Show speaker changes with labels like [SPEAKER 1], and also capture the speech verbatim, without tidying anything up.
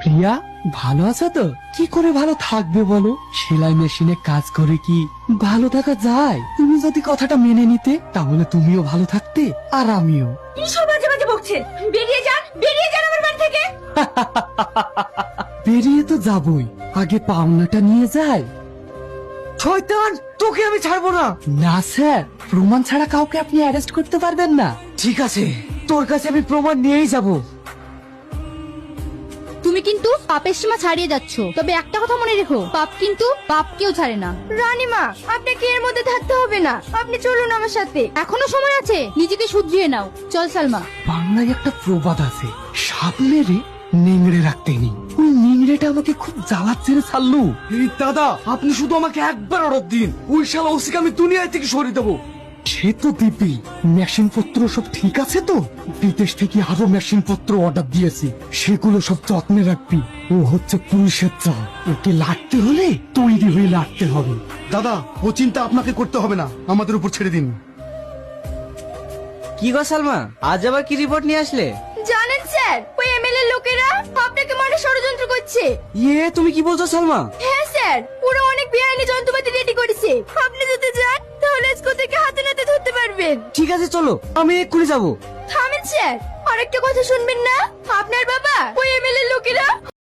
[SPEAKER 1] প্রিয়া ভালো আছো তো? কি করে ভালো থাকবে বলো? সেলাই মেশিনে কাজ করে কি ভালো থাকা যায়? তুমি যদি কথাটা মেনে নিতে তাহলে তুমিও ভালো থাকতে আর আমিও।
[SPEAKER 2] কি সব বাজে বাজে বকছেন? বেরিয়ে যান, বেরিয়ে যান আমার বাড়ি থেকে।
[SPEAKER 1] বেরিয়ে তো যাবই, আগে পাওনাটা নিয়ে যাই।
[SPEAKER 3] শয়তান, তোকে আমি ছাড়বো না।
[SPEAKER 1] না স্যার, প্রমাণ ছাড়া কাউকে আপনি অ্যারেস্ট করতে পারবেন না।
[SPEAKER 3] ঠিক আছে, তোর কাছে আমি প্রমাণ নিয়েই যাব।
[SPEAKER 4] তুমি কিন্তু পাপের সীমা ছাড়িয়ে যাচ্ছ, তবে একটা কথা মনে রেখো, পাপ কিন্তু পাপ কেউ ছাড়ে না।
[SPEAKER 2] রানীমা, আপনাকে এর মধ্যে থাকতে হবে না, আপনি চলুন আমার সাথে।
[SPEAKER 4] এখনো সময় আছে, নিজেকে শুধরিয়ে নাও। চল সালমা।
[SPEAKER 1] বাংলায় একটা প্রবাদ আছে, সাপ মেরে নিংড়ে রাখতে নেই। ওই নিংড়েটা আমাকে খুব জ্বালাচ্ছে রে ছাড়লু।
[SPEAKER 3] এই দাদা, আপনি শুধু আমাকে একবার অর্ডার দিন, ওই শালা ওসিকে আমি দুনিয়া থেকে সরিয়ে দেবো।
[SPEAKER 1] সে তো দিবি। মেশিন পত্র সব ঠিক আছে তো? বিদেশ থেকে আরো মেশিন পত্র অর্ডার দিয়েছি, সেগুলো সব যত্নে রাখবি। ও হচ্ছে পুলিশের চাল, ওকে লাগতে হলে তৈরি হয়ে লাগতে হবে।
[SPEAKER 5] দাদা, ও চিন্তা আপনাকে করতে হবে না, আমাদের উপর ছেড়ে দিন।
[SPEAKER 3] কি গো সালমা, আজ আবার কি রিপোর্ট নিয়ে আসলে?
[SPEAKER 2] জানেন স্যার, ওই এমএলএ লোকেরা আপনাকে মারে ষড়যন্ত্র করছে।
[SPEAKER 3] ইয়ে, তুমি কি বলছো সালমা?
[SPEAKER 2] হ্যাঁ স্যার, ওরা অনেক বেআইনি যন্ত্রপাতি রেডি করেছে। আপনি যদি যান তাহলে আজকে থেকে হাতে নাতে ধরতে পারবেন।
[SPEAKER 3] ঠিক আছে, চলো, আমি এক্ষুনি যাবো।
[SPEAKER 2] থামেন স্যার, আরেকটা কথা শুনবেন না? আপনার বাবা ওই এমএলএ লোকেরা